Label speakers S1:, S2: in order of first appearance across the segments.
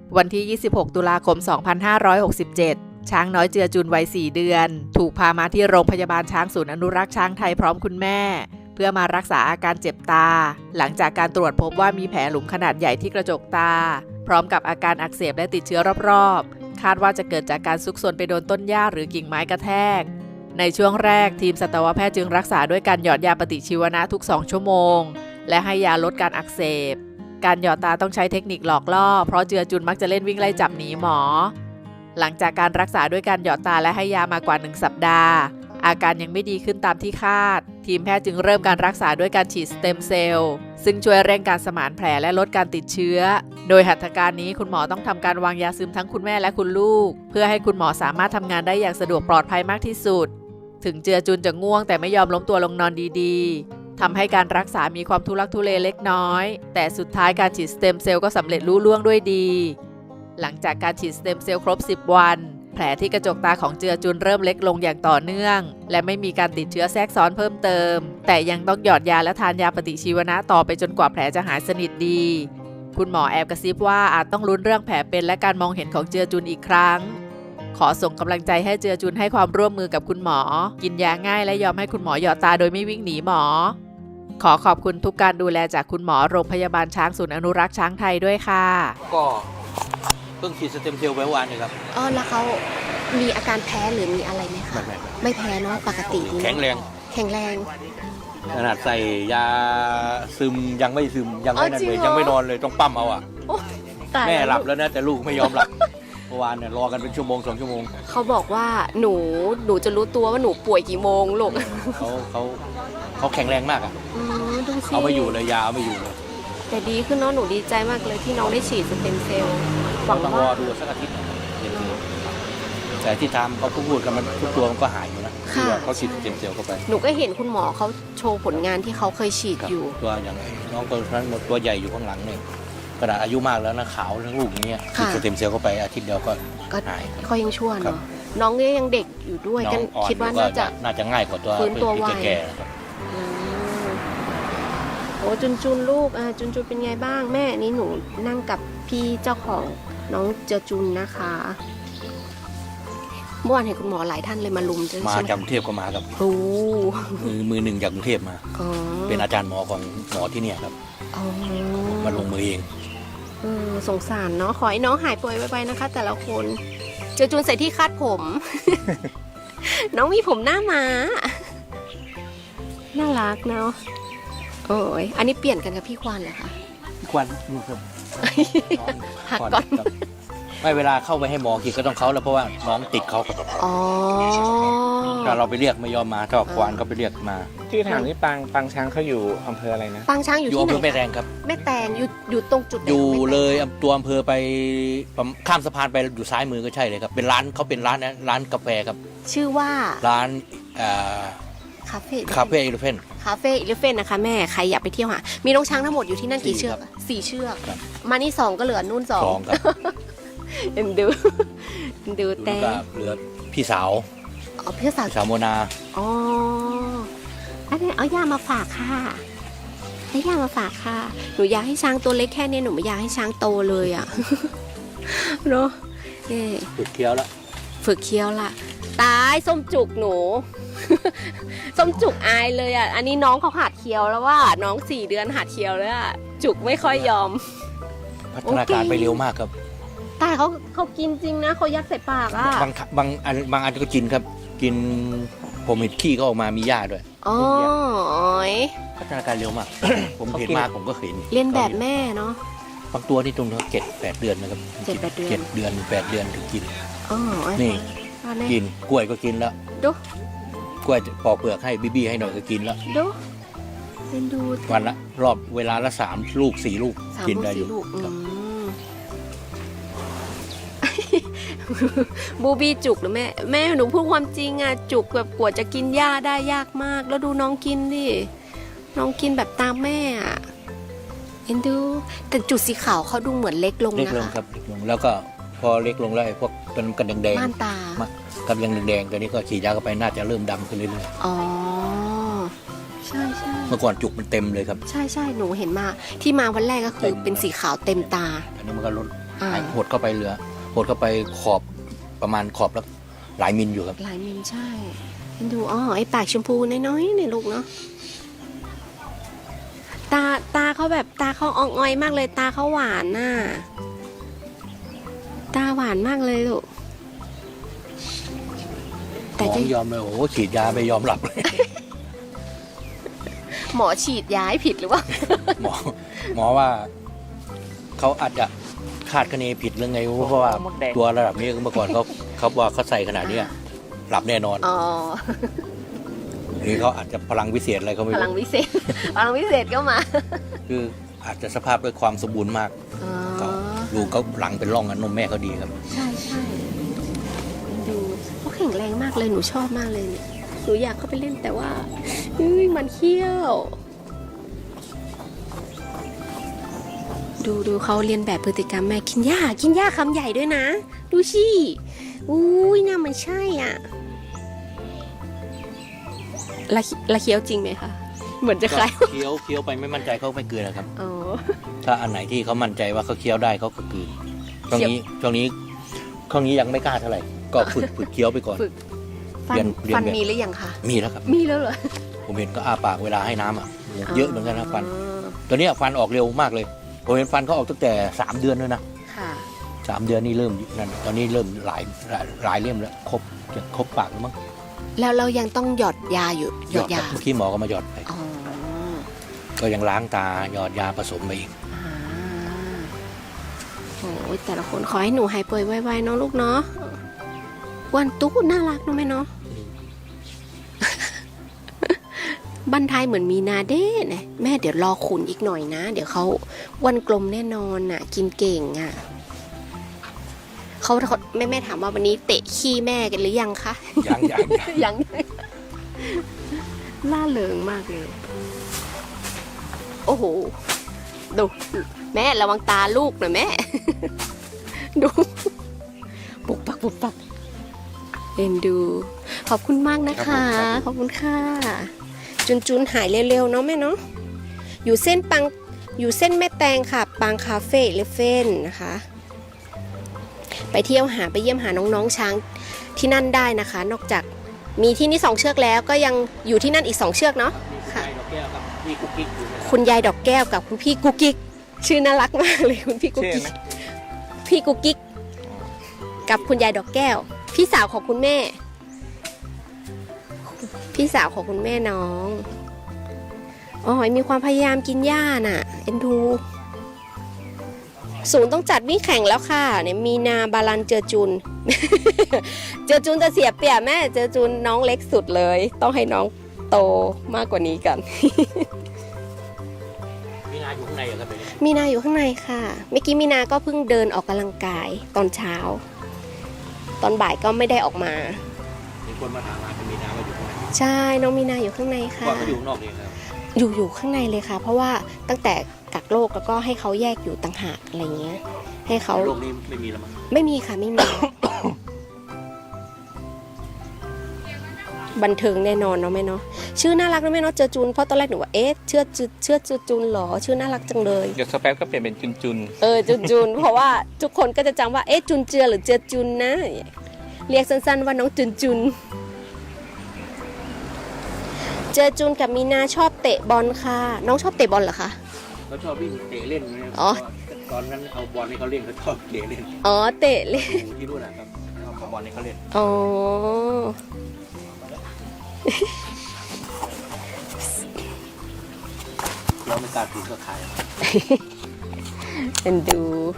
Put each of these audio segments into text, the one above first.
S1: วันที่ 26 ตุลาคม 2567 ช้างน้อยเจือจุนวัย 4 เดือน ถูกพามาที่โรงพยาบาลช้างศูนย์อนุรักษ์ช้างไทยพร้อมคุณแม่ เพื่อมารักษาอาการเจ็บตา หลังจากการตรวจพบว่ามีแผลหลุมขนาดใหญ่ที่กระจกตา พร้อมกับอาการอักเสบและติดเชื้อรอบๆ คาดว่าจะเกิดจากการซุกซนไปโดนต้นหญ้าหรือกิ่งไม้กระแทก ในช่วงแรกทีมสัตวแพทย์จึงรักษาด้วยการหยอดยาปฏิชีวนะทุก 2 ชั่วโมง และให้ยาลดการอักเสบ การหยอดตาต้องใช้เทคนิคหลอกล่อเพราะเจือจุนมักจะเล่นวิ่งไล่จับหนีหมอ หลังจากการรักษาด้วยการหยอดตาและให้ยามากว่า 1 สัปดาห์ อาการยังไม่ดีขึ้นตามที่คาด ทีมแพทย์จึงเริ่มการรักษาด้วยการฉีดสเต็มเซลล์ซึ่งช่วยเร่งการสมานแผลและลดการติดเชื้อ โดยหัตถการนี้คุณหมอต้องทำการวางยาซึมทั้งคุณแม่และคุณลูก เพื่อให้คุณหมอสามารถทำงานได้อย่างสะดวกปลอดภัยมากที่สุด ถึงเจือจุนจะง่วงแต่ไม่ยอมล้มตัวลงนอนดีๆทำให้การรักษามีความทุลักทุเลเล็กน้อยแต่สุดท้ายการฉีดสเต็มเซลล์ก็สำเร็จลุล่วงด้วยดีหลังจากการฉีดสเต็มเซลล์ครบ 10 วันแผลที่กระจกตาของเจือจุนเริ่มเล็กลงอย่างต่อเนื่องและไม่มีการติดเชื้อแทรกซ้อนเพิ่มเติมแต่ยังต้องหยอดยาและทานยาปฏิชีวนะต่อไปจนกว่าแผลจะหายสนิทดีคุณหมอแอบกระซิบว่าอาจต้องลุ้นเรื่องแผลเป็นและการมองเห็นของเจือจุนอีกครั้งขอส่งกำลังใจให้เจือจุนให้ความร่วมมือกับคุณหมอกินยาง่ายและยอมให้คุณหมอหยอดตาโดยไม่วิ่งหนีหมอขอขอบคุณทุกการดูแลจากคุณหมอโรงพยาบาลช้างศูนย์อนุรักษ์ช้างไทยด้วยค่ะ
S2: ก็เพิ่งฉีดสเต็มเซลล์ไปวันนี้ครับ
S3: แล้วเขามีอาการแพ้หรือมีอะไรไหมคะไม่แพ้เนาะปกติ
S2: แข็งแรงขนาดใส่ยาซึมยังไม่ซึมยังไม่นั่นเลยยังไม่นอนเลยต้องปั๊มเอาแม่หลับแล้วนะแต่ลูกไม่ยอมหลับเมื่อวานเนี่ยรอกันเป็นชั่วโมง2 ชั่วโมง
S3: เขาบอกว่าหนูจะรู้ตัวว่าหนูป่วยกี่โมงลูก
S2: เขาแข็งแรงมาก
S3: ดูสิ
S2: เอาไม่อยู่เลยยาเอาไม่อยู่เลย
S3: แต่ดีขึ้นเนาะหนูดีใจมากเลยที่น้องได้ฉีดสเต็มเซลล์
S2: หวังว่ารอดูสักอาทิตย์แต่ที่ทำเขาพูดกันมันทุกตัวมันก็หายอยู่นะที่ว่าเขาฉีดสเต็มเซลล์เข้าไป
S3: หนูก็เห็นคุณหมอเขาโชว์ผลงานที่เขาเคยฉีดอยู่
S2: ตัวอย่างน้องคนนั้นหมดตัวใหญ่อยู่ข้างหลังเนี่ยขนาดอายุมากแล้วนะขาวทั้งลูกอย่างเงี้ยฉีดสเต็มเซลล์เข้าไปอาทิตย์เดียวก็หาย
S3: ก็ยังชั่วเนาะน้องยังเด็กอยู่ด้วยกันคิดว่าน่
S2: าจะง่ายกว่าตัวแก่
S3: โอ้จุนลูกจุนเป็นไงบ้างแม่นี่หนูนั่งกับพี่เจ้าของน้องเจอจุนนะคะเมื่อวานเห็นคุณหมอหลายท่านเลยมาลุม
S2: มาจากกรุงเทพก็มาครับมือหนึ่งจากกรุงเทพมาเป็นอาจารย์หมอของหมอที่เนี่ยครับมาลงมือเอง
S3: สงสารเนาะขอให้น้องหายป่วยไวๆนะคะแต่ละคนเจอจุนใส่ที่คาดผม น้องมีผมหน้าม้าน่ารักเนาะโอ้ยอันนี้เปลี่ยนกันกับพี่ควานเหรอคะ
S2: พี่ควานนี่ครับ
S3: หักก่อน
S2: ไม่เวลาเข้าไปให้หมอกินก็ต้องเขาแล้วเพราะว่าน้องติดเขาถ้าเราไปเรียกไม่ยอมมาถ้าควานก็ไปเรียกมา
S4: ที่ถามนี่ปางช้างเขาอยู่อำเภออะไรนะ
S3: ปางช้างอยู่ที่ไหน
S2: อำเภอแม่แตงครับ
S3: แม่แตงอยู่ตรงจุด
S2: อยู่เลยตัวอำเภอไปข้ามสะพานไปอยู่ซ้ายมือก็ใช่เลยครับเป็นร้านเขาเป็นร้านนะร้านกาแฟครับ
S3: ชื่อว่า
S2: ร้านคาเฟ่อิเลฟเ
S3: ฟ่นนะคะแม่ใครอยากไปเที่ยวหามีน้องช้างทั้งหมดอยู่ที่นั่นกี่เชือก4 เชือกมานี่2ก็เหลือนู่น2
S2: ครับ
S3: ดูแต่
S2: เหลือพี่สาว
S3: พี่สาว
S2: โมนา
S3: อันนี้เอาย่ามาฝากค่ะให้ย่ามาฝากค่ะหนูอยากให้ช้างตัวเล็กแค่นี้หนูไม่อยากให้ช้างโตเลยอ่ะเนาะ
S2: ฝึกเคี้ยว
S3: ละตายส้มจุกหนูส้มจุกอายเลยอ่ะอันนี้น้องเขาหัดเคี้ยวแล้วว่าน้อง4 เดือนหัดเคี้ยวแล้วจุกไม่ค่อยยอม
S2: พัฒนาการไปเร็วมากครับ
S3: แต่เขากินจริงนะเขายัดใส่ปาก
S2: บางอันก็กินครับกินผมเห็นขี้ก็ออกมามีหญ้าด้วยพัฒนาการเร็วมาก ผมเห็นมากผมก็เห็น
S3: เรียนแบบแม่เนาะ
S2: บางตัวนี่ตรง7-8 เดือนนะครับ7-8 เดือน8 เดือนถึงกินนี่กินกล้วยก็กินแล้ว
S3: ดู
S2: กล้วยปอกเปลือกให้บี้ให้หน่อยก็กินแล้ว
S3: ดู
S2: วันละรอบเวลาละ3 ลูก 4 ลูกกินได้อยู่
S3: บูบี้จุกหรือแม่หนูพูดความจริงอ่ะจุกแบบกว่าจะกินหญ้าได้ยากมากแล้วดูน้องกินดิน้องกินแบบตามแม่อ่ะเอ็นดูแต่จุดสีขาวเขาดูเหมือนเล็กลงนะคะ
S2: เล็กลงครับเล็กลงแล้วก็พอเล็กลงแล้วพวกเป็นกันแดง
S3: ม่านตา
S2: กับยังแดงๆตัวนี้ก็ฉีดยาเข้าไปน่าจะเริ่มดำขึ้นเรื่อย
S3: ๆใช่
S2: เมื่อก่อนจุกมันเต็มเลยครับ
S3: ใช่หนูเห็นมาที่มาวันแรกก็คือเป็นสีขาวเต็มตา
S2: อันนี้มันก็ลด
S3: อ่า
S2: หดเข้าไปเหลือหดเข้าไปขอบประมาณขอบแล้วหลายมิลอยู่ครับ
S3: หลายมิลใช่ดูอ๋อไอ้ปากชมพูน้อยๆเนี่ยลูกเนาะตาเขาแบบตาเขาอ่องอ้อยมากเลย ตาเขาหวานน่ะตาหวานมากเลยลูก
S2: หม
S3: แต่
S2: อ
S3: จะ
S2: ไม่ยอมเลยโอ้โหฉีดยาไม่ยอมหลับเลย
S3: หมอฉีดยาให้ผิดหรือว่า
S2: หมอว่าเขาอาจจะคาดคะเนผิดหรือไงเพราะว่า
S4: มดแดง
S2: ตัวระดับนี้เมื่อก่อนเขาว่าเขาใส่ขนาดเนี้ยหลับแน่นอน
S3: อ๋อ
S2: หรือเขาอาจจะพลังวิเศษอะไรเขาไม่
S3: พลัง
S2: รู้
S3: วิเศษ พลังวิเศษก็มา
S2: คืออาจจะสภาพด้วยความสมบูรณ์มาก
S3: อ๋อ
S2: ก็ดูเขาหลังเป็นร่องกันนมแม่เขาดีครับ
S3: ใช่ใช่ดูเขาแข็งแรงมากเลยหนูชอบมากเลยเนี่ยหนูอยากเข้าไปเล่นแต่ว่ามันเขี้ยว ดูเขาเรียนแบบพฤติกรรมแม่กินหญ้าคำใหญ่ด้วยนะ ดูสิอุ้ยน่ามันใช่อ่ะละเคี้ยวจริงไหมคะ เหมือนจะคล้าย
S2: ก็เคี้ยวไปไม่มั่นใจเขาไม่กลืนนะครับ
S3: อ๋อ
S2: ถ้าอันไหนที่เขามั่นใจว่าเขาเคี้ยวได้เขาก็กลืนช่วงนี้ยังไม่กล้าเท่าไหร่ ก็ฝึกเคี้ยวไปก่อน
S3: ฝึก ฟั
S2: เรีย
S3: น
S2: น
S3: ฟัน
S2: แบบ
S3: มีหรือยังคะ
S2: มีแล้วครับ
S3: มีแล้วเหรอ
S2: ผมเห็นก็อ้าปากเวลาให้น้ำอ่ะเยอะเหมือนกันนะฟัน
S3: อ๋อ
S2: ตัวเนี้ยฟันออกเร็วมากเลยผมเห็นฟันเขาออกตั้งแต่3 เดือนด้วยนะ
S3: ค่ะ
S2: 3 เดือนนี่เริ่มนั่นตอนนี้เริ่มหลายเล่มแล้วจะครบปากแล้วมั้ง
S3: แล้วเรายังต้องหยอดยาอยู่หยอดยา
S2: เมื่อกี้หมอก็มาหยอดไป
S3: อ๋อ
S2: ก็ยังล้างตาหยอดยาผสมไปอีก
S3: อ่าโอ้ยแต่ละคนขอให้หนูหายป่วยไวๆเนาะลูกเนาะวันตุ๊กน่ารักเนาะแม่เนาะ บันทายเหมือนมีนาเด้นะแม่เดี๋ยวรอขุนอีกหน่อยนะ เดี๋ยวเขาวันกลมแน่นอนน่ะ กินเก่งอ่ะเขาแม่ถามว่าวันนี้เตะขี้แม่กันหรือยังคะ
S2: ยัง
S3: ยังล่าเริงมากเลย โอ้โห ดู แม่ระวังตาลูกหน่อยแม่ ดู ปุกปักเอ็นดู ขอบคุณมากนะคะ ขอบคุณค่ะ จุนหายเร็วๆเนาะแม่เนาะ อยู่เส้นแม่แตงค่ะ ปังคาเฟ่เลฟเฟ่นนะคะ ไปเที่ยวไปเยี่ยมหาน้องๆช้างที่นั่นได้นะคะ นอกจากมีที่นี่2 เชือกแล้วก็ยังอยู่ที่นั่นอีก2 เชือกเนาะค่ะ
S2: นี่กุ๊กกิ๊กอยู่นะครับ
S3: คุณยายดอกแก้วกับคุณพี่กุ๊กกิ๊กชื่อน่ารักมากเลยคุณพี่กุ๊ก
S4: ชื่อ
S3: กิ๊ก
S4: ไหม
S3: พี่กุ๊กกิ๊กกับคุณยายดอกแก้ว พี่สาวของคุณแม่ พี่สาวของคุณแม่น้องอ๋อมีความพยายามกินหญ้าน่ะเอ็นดูศูนย์ต้องจัดวิ่งแข่งแล้วค่ะเนี่ยมีนาบาลันเจอจุน เจอจุนจะเสียเปรียบแม่เจอจุนน้องเล็กสุดเลย ต้องให้น้องโตมากกว่านี้กัน
S2: มีนาอยู่ข้างในเหรอครับเนี่ย
S3: มีนาอยู่ข้างในค่ะเมื่อกี้มีนาก็เพิ่งเดินออกกำลังกายตอนเช้า ตอนบ่ายก็ไม่ได้ออกมา
S2: มีคนมาถามหาเป็นมีนาว่าอยู่ข้างใน
S3: ใช่น้องมีนาอยู่ข้างในค่ะ
S2: ก่อนเขาอยู่ข้างนอกเองครับ
S3: อยู่ข้างในเลยค่ะ เพราะว่าตั้งแต่กักโรคแล้วก็ให้เขาแยกอยู่ต่างหากอะไรเงี้ย ให้เขา
S2: โลกนี้ไม่มีแล้วมั้ง
S3: ไม่มีค่ะไม่มี บันเทิงแน่นอนเนาะแม่เนาะชื่อน่ารักนะแม่เนาะเจอจุนเพราะตอนแรกหนูว่าเอ๊ะเชื่อจุนเหรอชื่อน่ารักจังเลย
S4: เดี๋ยวสแป๊บก็เปลี่ยนเป็นจุน
S3: จุน เพราะว่าทุกคนก็จะจำว่าเอ๊ะจุนเจือหรือเจือจุนนะเรียกสั้นๆว่าน้องจุนเจอจุนกับมีนาชอบเตะบอลค่ะ น้องชอบเตะบอลเหรอคะ
S2: เขาชอบวิ่งเตะเล่นนะครับ
S3: อ๋อ
S2: ตอนนั้นเอาบอลให้เขาเล่นเขาชอบเตะเล่น
S3: อ๋อเตะเลย
S2: อยู่ที่นู่นนะครับเอาบอลให้เขาเล่น
S3: อ๋อ
S2: เราไม่กล้าถือก็ขาย
S3: เอ็นดู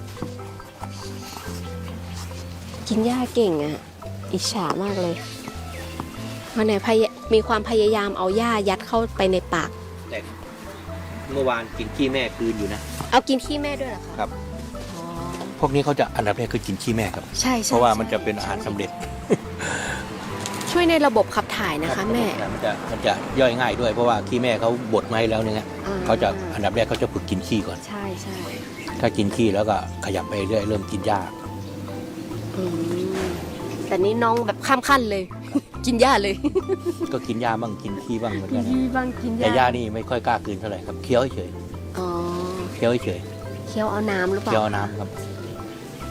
S3: กินหญ้าเก่งอ่ะ อิจฉามากเลยวันไหนมีความพยายามเอาหญ้ายัดเข้าไปในปาก
S2: แต่เมื่อวานกินขี้แม่คืนอยู่นะ
S3: เอากินขี้แม่ด้วยเหรอคะ
S2: ครับ
S3: อ๋อ
S2: พวกนี้เขาจะอันดับแรกคือกินขี้แม่ครับ
S3: ใช่
S2: เพราะว่ามันจะเป็นอาหารสำเร็จ
S3: ช่วยในระบบขับถ่ายนะคะแม่
S2: มันจะย่อยง่ายด้วยเพราะว่าขี้แม่เขาบดมาให้แล้วเนี่ย
S3: อ่
S2: เขาจะอันดับแรกเขาจะฝึกกินขี้ก่อน
S3: ใช่ใช่
S2: ถ้ากินขี้แล้วก็ขยับไปเรื่อยเริ่มกินหญ้า
S3: อืมแต่นี่น้องแบบข้ามขั้นเลย กินหญ้าเลย
S2: ก็กินหญ้าบ้างกินขี้บ้างเหมือน
S3: กิ
S2: กัน น
S3: ที่
S2: นะ
S3: บ้างกินห
S2: แต่ห
S3: ญ้า
S2: ญ้านี่ไม่ค่อยกล้ากลืนเท่าไหร่ครับเคี้ยวเฉย
S3: อ๋อ
S2: เคี้ยวเฉย
S3: เคี้ยวเอาน้ำหรือเป
S2: เคี้ยว
S3: ล่า
S2: น้ำครับ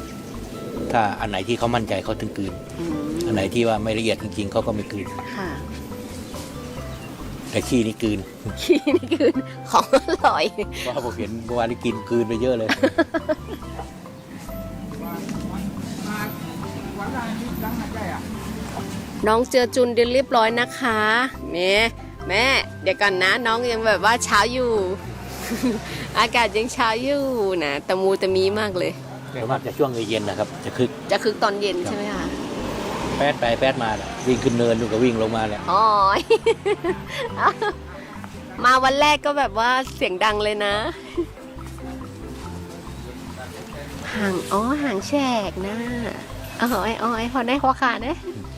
S2: ถ้าอันไหนที่เขามั่นใจเขาถึงกลืน
S3: อืม
S2: อันไหนที่ว่าไม่ละเอียดจริงๆเขาก็ไม่กลืน
S3: ค่ะ
S2: แต่ขี้นี่กลืน
S3: ขี้นี่คือของอร่อย
S2: เพราะผมเห็นเมื่อวานนี้กินกลืนไปเยอะเลย
S3: น้องเจอจุนเดินเรียบร้อยนะคะแม่เดี๋ยวก่อนนะ น้องยังแบบว่าเช้าอยู่ อากาศยังเช้าอยู่นะตะมูตะมีมากเลย
S2: ส่วนมากจะช่วงเย็นนะครับ จะคึก
S3: จะคึกตอนเย็นใช่ไหมคะ
S2: แป๊ดไปแป๊ดมาน่ะวิ่งขึ้นเนินดูกับวิ่งลงมาแหละ
S3: อ๋อ มาวันแรกก็แบบว่าเสียงดังเลยนะ หางแฉกนะพอได้หัวขาดนะ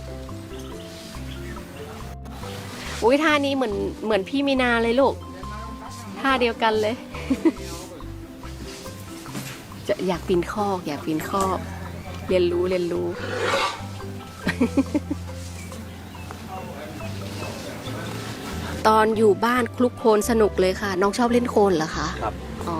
S3: อุ้ยท่านี้เหมือนพี่มีนาเลยลูกท่าเดียวกันเลย จะอยากปีนคอกเรียนรู้ ตอนอยู่บ้านคลุกโคลนสนุกเลยค่ะ น้องชอบเล่นโคลนเหรอคะ
S2: ครับ
S3: อ๋อ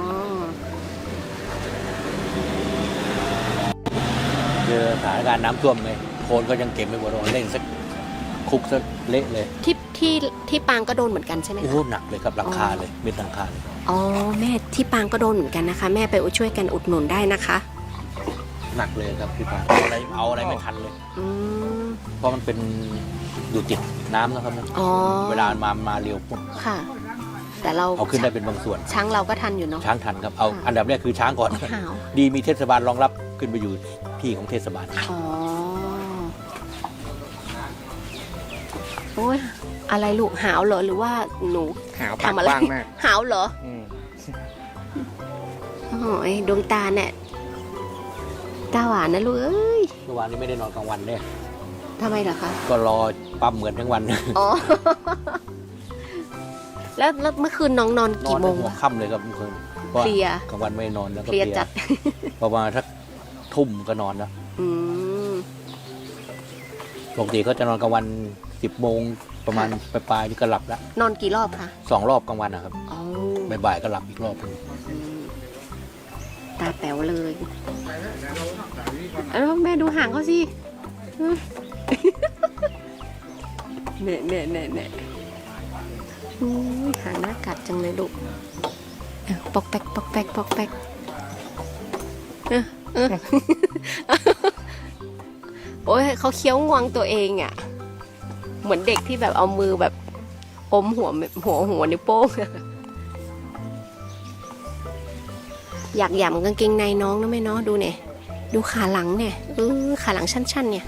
S2: เจอสถานการณ์น้ำท่วมไงโคลนก็ยังเก็บไม่หมดเล่นสักคุกสักเละเลย
S3: ที่ปางก็โดนเหมือนกันใช่ไหม
S2: โอ้
S3: คะ
S2: โหหนักเลยครับหลังคาเลยเม็ดหลังคาเลย
S3: อ๋อแม่ที่ปางก็โดนเหมือนกันนะคะ แม่ไปช่วยกันอุดหนุนได้นะคะ
S2: หนักเลยครับพี่ปาเอาอะไรไม่ทันเลย
S3: อืม
S2: เพราะมันเป็นอยู่ติดน้ำนะครับ
S3: อ๋อ
S2: เวลามาเร็วปุ๊บ
S3: ค่ะ แต่เรา
S2: เอาขึ้นได้เป็นบางส่วน
S3: ช้างเราก็ทันอยู่เนาะ
S2: ช้างทันครับเอาอันดับแรกคือช้างก่อน
S3: หาว
S2: ดีมีเทศบาลรองรับขึ้นไปอยู่ที่ของเทศบาล
S3: อ๋อโอ้ยอะไรลูกหาวเหรอหรือว่าหนู
S4: หาวปาก
S3: ทำอะไร
S4: กว้างมาก
S3: หาวเหรอ
S4: อืม
S3: โอ้ยดวงตาเนี่ยตาหวานนะลูกเอ้ย
S2: เมื่อวานนี้ไม่ได้นอนกลางวันเนี่ย
S3: ทำไมเหรอคะ
S2: ก็รอปั๊มเหมือนทั้งวัน
S3: อ๋อ แล้วเมื่อคืนน้องนอน
S2: นอ
S3: กี่
S2: น
S3: โม
S2: ถึ
S3: ง
S2: งหัว
S3: คะ
S2: ค่ำเลยครับเมื่อคืนเพราะ
S3: เพลีย
S2: กลางวันไม่นอนแล้วก็
S3: เพลียจัด
S2: ประมาณสักทุ่มก็นอนแล้ว
S3: อืม
S2: ปกติเขาจะนอนกลางวัน10 โมงประมาณปลายๆนี่ก็หลับแล้ว
S3: นอนกี่รอบคะ
S2: 2 รอบกลางวันนะครับ
S3: อ๋อ
S2: บ่ายๆก็หลับอีกรอบหนึง
S3: ตาแป๋วเลยแล้วแม่ดูหางเขาสิ เนี่ยหางน่ากัดจังเลยลูกปอกแป๊กโอ้ยเขาเคี้ยวงวงตัวเองอ่ะ เหมือนเด็กที่แบบเอามือแบบอมหัวนิ้วโป้ง อยากหย่ำกางเกงในน้องนะแม่เนาะดูเนี่ยดูขาหลังเนี่ยขาหลังชั้นๆเนี่ย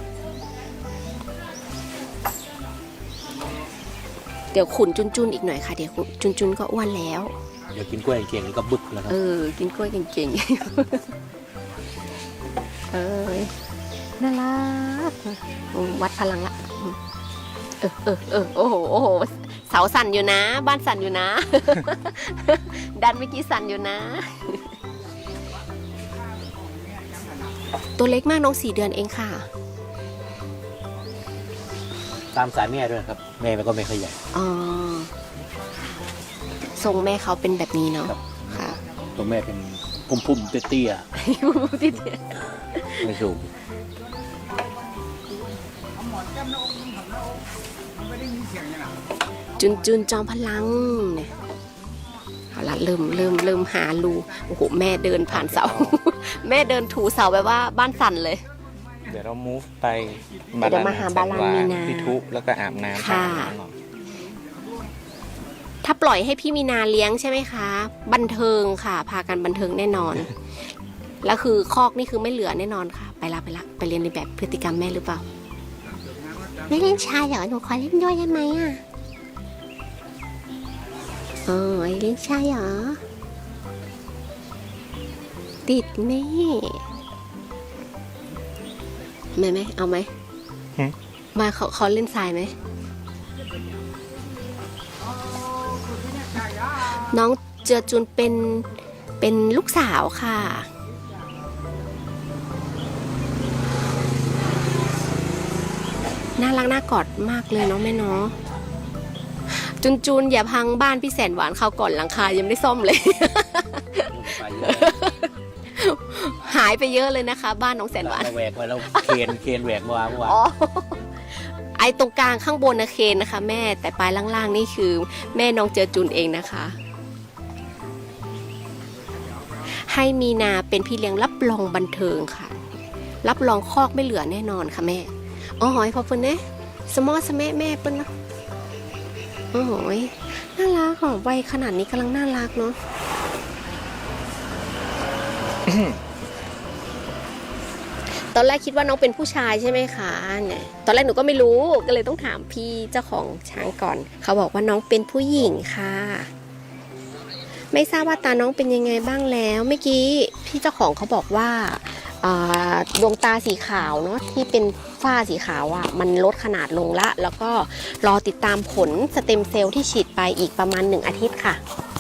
S3: เดี๋ยวขุนจุนๆอีกหน่อยค่ะเดี๋ยวจุนก็อ้วนแล้ว
S2: เดี๋ยวกินกล้วยเก่งๆแล้วก็บึกแล้วครับ
S3: กินกล้วยเก่งๆ น่ารักวัดพลังละโอ้โหเสาสั่นอยู่นะ บ้านสั่นอยู่นะ ดันเมื่อกี้สั่นอยู่นะ ตัวเล็กมากน้อง4 เดือนเองค่ะ
S2: ตามสายแม่ด้วยครับแม่มันก็ไม่ค่อยใหญ่
S3: อ๋อทรงแม่เขาเป็นแบบนี้เนาะ
S2: ครับ
S3: ค่ะ
S2: ตัวแม่เป็นพุ่มๆเตี้ยๆไม่สูง
S3: จุนจอมพลังเนี่ยเอาละเริ่มหารูโอ้โหแม่เดินผ่านเสา แม่เดินถูเสาแบบว่าบ้านสั่นเลย
S4: เดี๋ยวเรา move ไป
S3: เดี๋ยวมาหาบาลานมีนา
S4: พิทุแล้วก็อาบน้ำ
S3: ค่ะ ถ้าปล่อยให้พี่มีนาเลี้ยงใช่ไหมคะ บันเทิงค่ะ พากันบันเทิงแน่นอน แล้วคือคอกนี่คือไม่เหลือแน่นอนค่ะ ไปละไปเรียนในแบบพฤติกรรมแม่หรือเปล่าไม่เล่นชายเหรอหนูขอเล่นด้วยได้ไหมอ่ะเล่นชายเหรอติดแม่ไหมเอาไหมมาเขาเล่นทรายไหมน้องเจือจุนเป็นลูกสาวค่ะน่ารักน่ากอดมากเลยเนาะแม่เนาะจุนอย่าพังบ้านพี่แสนหวานเขาก่อนหลังคายังไม่ได้ซ่อมเลยหายไปเยอะเลยนะคะ บ้านน้องแสนหวาน
S2: เราแหวกไปแล้วเคนแหวกเมื่อวาน
S3: อ๋อไอตรงกลางข้างบนนะเคนนะคะ แม่แต่ปลายล่างๆนี่คือแม่น้องเจอจุนเองนะคะ ให้มีนาเป็นพี่เลี้ยงรับรองบันเทิงค่ะ รับรองคอกไม่เหลือแน่นอนค่ะแม่อ๋อหอยพอเปิ้ลเนี่ยสมอสแม่แม่เปิ้ลเนาะอ๋อหอยน่ารักหอมวัยขนาดนี้กำลังน่ารักเนาะ ตอนแรกคิดว่าน้องเป็นผู้ชายใช่ไหมคะเนี่ยตอนแรกหนูก็ไม่รู้ก็เลยต้องถามพี่เจ้าของช้างก่อนเขาบอกว่าน้องเป็นผู้หญิงค่ะไม่ทราบว่าตาน้องเป็นยังไงบ้างแล้วเมื่อกี้พี่เจ้าของเขาบอกว่าดวงตาสีขาวเนาะที่เป็นฝ้าสีขาวอ่ะมันลดขนาดลงละแล้วก็รอติดตามผลสเต็มเซลล์ที่ฉีดไปอีกประมาณ1 อาทิตย์ค่ะ